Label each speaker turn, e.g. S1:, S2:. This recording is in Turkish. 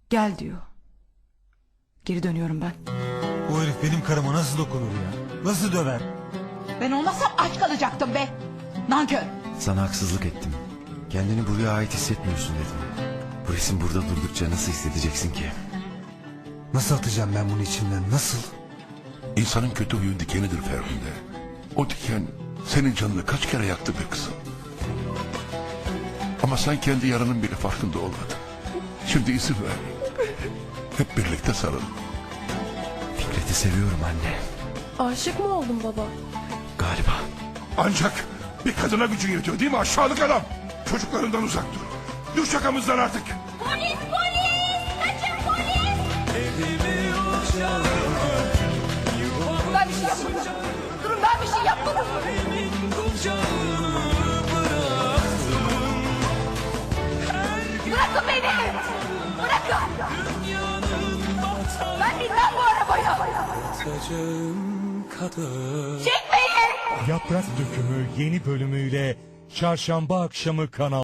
S1: Gel diyor. Geri dönüyorum ben.
S2: O herif benim karıma nasıl dokunur ya? Nasıl döver?
S3: Ben olmasam aç kalacaktım be. Nankör.
S4: Sana haksızlık ettim. Kendini buraya ait hissetmiyorsun dedim. Bu resim burada durdukça nasıl hissedeceksin ki?
S2: Nasıl atacağım ben bunu içimden? Nasıl?
S5: İnsanın kötü huyu dikenidir Ferhunde. O diken senin canını kaç kere yaktı be kızım. Ama sen kendi yaranın bile farkında olmadın. Şimdi izin ver. Hep birlikte sarıl.
S4: Fikret'i seviyorum anne.
S6: Aşık mı oldun baba?
S4: Galiba.
S5: Ancak bir kadına gücün yetiyor değil mi aşağılık adam? Çocuklarından uzak dur. Düş yakamızdan artık.
S3: Polis polis. Kaçın polis. Ben bir şey yapmadım. Durun ben bir şey yapmadım. Bırakın beni. Bırakın. Ben bilmem bu arabayı. Çekmeyin.
S7: Yaprak Dökümü yeni bölümüyle Çarşamba akşamı Kanal